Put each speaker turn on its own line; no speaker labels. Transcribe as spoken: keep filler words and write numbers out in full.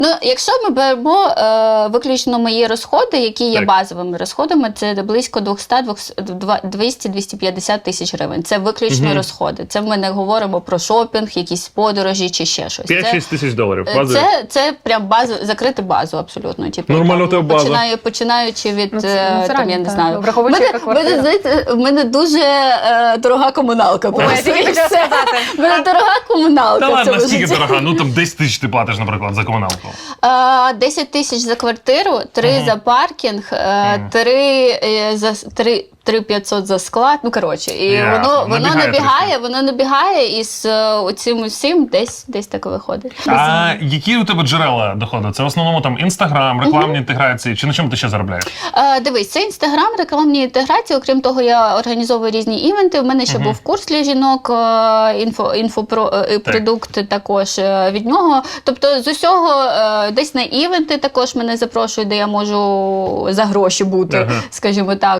Ну, якщо ми беремо е, виключно мої розходи, які є
Так.
базовими розходами, це близько двісті - двісті п'ятдесят тисяч гривень. Це виключно
Мгм.
розходи. Це ми не говоримо про шопінг, якісь подорожі чи ще щось. Це,
п'ять-шість тисяч доларів.
е,
Базові.
це, це прям базу, закрити базу абсолютно. Типу,
Нормально у тебе база.
Починаю, починаючи від,
Ну, це-
е,
ну, це
там,
реально,
я не
так.
знаю.
Враховуючи,
Мене-
яка квартира.
мене, знаєте, в мене дуже е, дорога комуналка.
Ой, я
просто,
тільки
і
хотіла
все.
сказати.
В мене дорога комуналка.
Та
в
ладно,
цьому
скільки
житті.
дорога? Ну там десять тисяч ти платиш, наприклад, за комуналку.
Е, десять тисяч за квартиру, три
Мгм.
за паркінг, е,
Мгм.
три е, за три. три п'ятсот за склад, ну коротше, і
Ясно,
воно воно
набігає
набігає,
трішки.
воно набігає, і з е, оцим усім десь десь так виходить.
А які у тебе джерела доходу? Це в основному там інстаграм, рекламні інтеграції, чи на чому ти ще заробляєш?
Е, дивись, це інстаграм, рекламні інтеграції. Окрім того, я організовую різні івенти. У мене ще
Мгм.
був курс для жінок, е, інфо, інфопро, е, продукт також е, від нього. Тобто з усього е, десь на івенти також мене запрошують, де я можу за гроші бути,
Ага.
скажімо так.